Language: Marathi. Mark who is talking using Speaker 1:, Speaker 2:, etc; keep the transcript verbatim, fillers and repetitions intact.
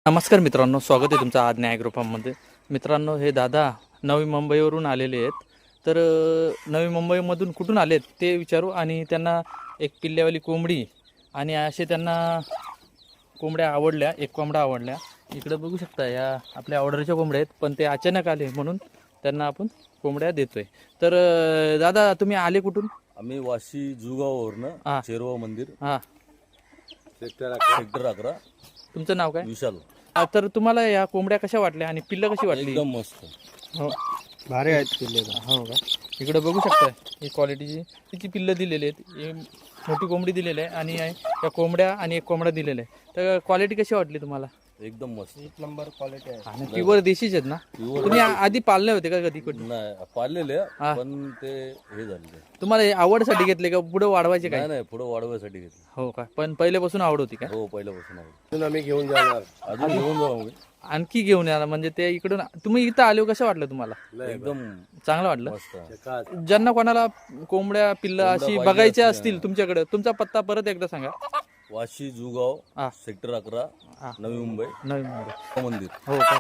Speaker 1: नमस्कार मित्रांनो, स्वागत आहे तुमचं आज न्याय ग्रुपामध्ये. मित्रांनो, हे दादा नवी मुंबईवरून आलेले आहेत. तर अ, नवी मुंबईमधून कुठून आलेत ते विचारू आणि त्यांना एक पिल्ल्यावाली कोंबडी आणि असे त्यांना कोंबड्या आवडल्या, एक कोंबडा आवडल्या. इकडे बघू शकता, या आपल्या ऑर्डरच्या कोंबड्या आहेत, पण ते अचानक आले म्हणून त्यांना आपण कोंबड्या देतोय. तर अ, दादा तुम्ही आले कुठून?
Speaker 2: आम्ही वाशी जुगाववरनं चेरवा मंदिर
Speaker 1: हां,
Speaker 2: सेक्टर अकरा सेक्टर अकरा
Speaker 1: तुमचं नाव काय?
Speaker 2: विशाल.
Speaker 1: आ, तर तुम्हाला या कोंबड्या कशा वाटल्या आणि पिल्लं कशी वाटली?
Speaker 2: एकदम मस्त.
Speaker 1: हो
Speaker 3: भारी आहेत पिल्ले.
Speaker 1: हो का? इकडे बघू शकता, ही क्वालिटीची तिची पिल्लं दिलेली आहेत. ही मोठी कोंबडी दिलेली आहे आणि या कोंबड्या आणि एक कोंबडा दिलेला आहे. तर क्वालिटी कशी वाटली तुम्हाला?
Speaker 2: एकदम मस्त.
Speaker 3: एक नंबर क्वालिटी आहे.
Speaker 1: आणि प्युअर देशीच आहेत ना?
Speaker 2: Pure
Speaker 1: तुम्ही आ- आधी पाळले होते का कधी कुठे?
Speaker 2: नाही पाळलेले
Speaker 1: हा.
Speaker 2: पण ते हे झाले.
Speaker 1: तुम्हाला हे आवडसाठी घेतले का पुढे वाढवायचे काय?
Speaker 2: नाही नाही पुढे वाढवायसाठी घेतले.
Speaker 1: हो का? पण पहिल्यापासून आवड होती का?
Speaker 2: हो पहिल्यापासून आहे.
Speaker 3: अजून आम्ही घेऊन जाणार.
Speaker 2: अजून घेऊन जाऊ आम्ही.
Speaker 1: आणखी घेऊन या म्हणजे ते इकडून तुम्ही इथं आले कसं वाटलं तुम्हाला?
Speaker 2: एकदम
Speaker 1: चांगलं वाटलं.
Speaker 2: मस्त.
Speaker 1: ज्यांना कोणाला कोंबड्या पिल्लं अशी
Speaker 2: पाहिजे
Speaker 1: बघायच्या
Speaker 2: असतील,
Speaker 1: असतील तुमच्याकडे, तुमचा पत्ता परत एकदा सांगा.
Speaker 2: वाशी जुगाव
Speaker 1: हा.
Speaker 2: सेक्टर अकरा
Speaker 1: हा.
Speaker 2: नवी मुंबई
Speaker 1: नवी मुंबई.
Speaker 2: मंदिर.
Speaker 1: हो का?